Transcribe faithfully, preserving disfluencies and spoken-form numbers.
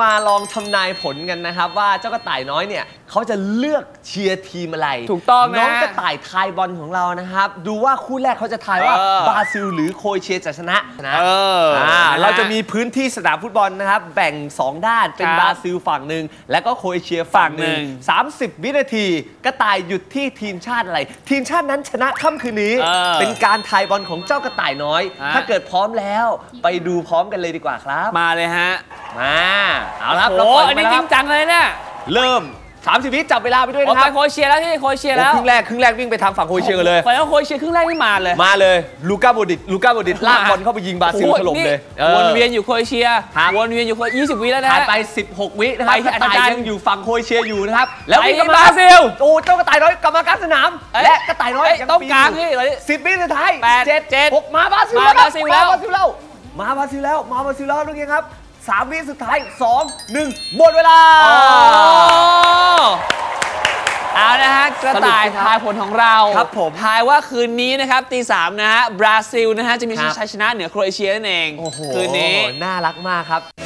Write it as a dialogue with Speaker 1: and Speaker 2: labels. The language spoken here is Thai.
Speaker 1: มาลองทำนายผลกันนะครับว่าเจ้ากระต่ายน้อยเนี่ยเขาจะเลือกเชียร์ทีมอะไร
Speaker 2: ถูกต้องนะ
Speaker 1: น้องกระต่ายทายบอลของเรานะครับดูว่าคู่แรกเขาจะทายว่าบราซิลหรือโครเอเชียจะชนะนะเออเราจะมีพื้นที่สนามฟุตบอลนะครับแบ่งสองด้านเป็นบราซิลฝั่งหนึ่งและก็โครเอเชียฝั่งหนึ่งสามสิบวินาทีกระต่ายหยุดที่ทีมชาติอะไรทีมชาตินั้นชนะค่ำคืนนี้เป็นการทายบอลของเจ้ากระต่ายน้อยถ้าเกิดพร้อมแล้วไปดูพร้อมกันเลยดีกว่าครับ
Speaker 2: มาเลยฮะ
Speaker 1: มาเอาละ
Speaker 2: โอ้อันนี้จริงจังเลยเนี่ย
Speaker 1: เริ่มสามสิบวิจับเวลาไปด้วยนะครับ
Speaker 2: ไปโครเอเชียแล้วที่โครเอเชียแล้ว
Speaker 1: ครึ่งแรกครึ่งแรกวิ่งไปทางฝั่งโครเอเชียกันเลย
Speaker 2: ไปแล้วโครเอเชียครึ่งแรกนี่มาเลย
Speaker 1: มาเลยลูก้าโบดิตลูก้าโบดิตลากบอลเข้าไปยิงบราซิลถล่มเลย
Speaker 2: วนเวียนอยู่โครเอเชียวนเวียนอยู่ยี่สิบวิแล้วนะ
Speaker 1: ผ่านไปสิบหกวินะครับกระต่ายยังอยู่ฝั่งโครเอเชียอยู่นะครับแล้ววิ่งกับบ
Speaker 2: ราซิล
Speaker 1: โอ้เจ้ากระต่ายน้อยกลับมากลางสนามและกระต่ายน้อย
Speaker 2: ต้องกลางนี่
Speaker 1: สิบวิสุดท้าย
Speaker 2: เจ็ดเจ็ด
Speaker 1: หกมาบราซิล
Speaker 2: มาบราซิลแล้ว
Speaker 1: มาบราซิลแล้วมาบราซิลแล้วมาบราซิลแล้วทุกคนครับสามวิสุดท้ายสองหนึ่งหมดเวลา
Speaker 2: เอานะฮะกระต่ายทายผลของเรา
Speaker 1: ครับผม
Speaker 2: ทายว่าคืนนี้นะครับตีสามนะฮะบราซิลนะฮะจะมีชัยชนะเหนือโครเอเชียนั่นเอง
Speaker 1: คืนนี้น่ารักมากครับ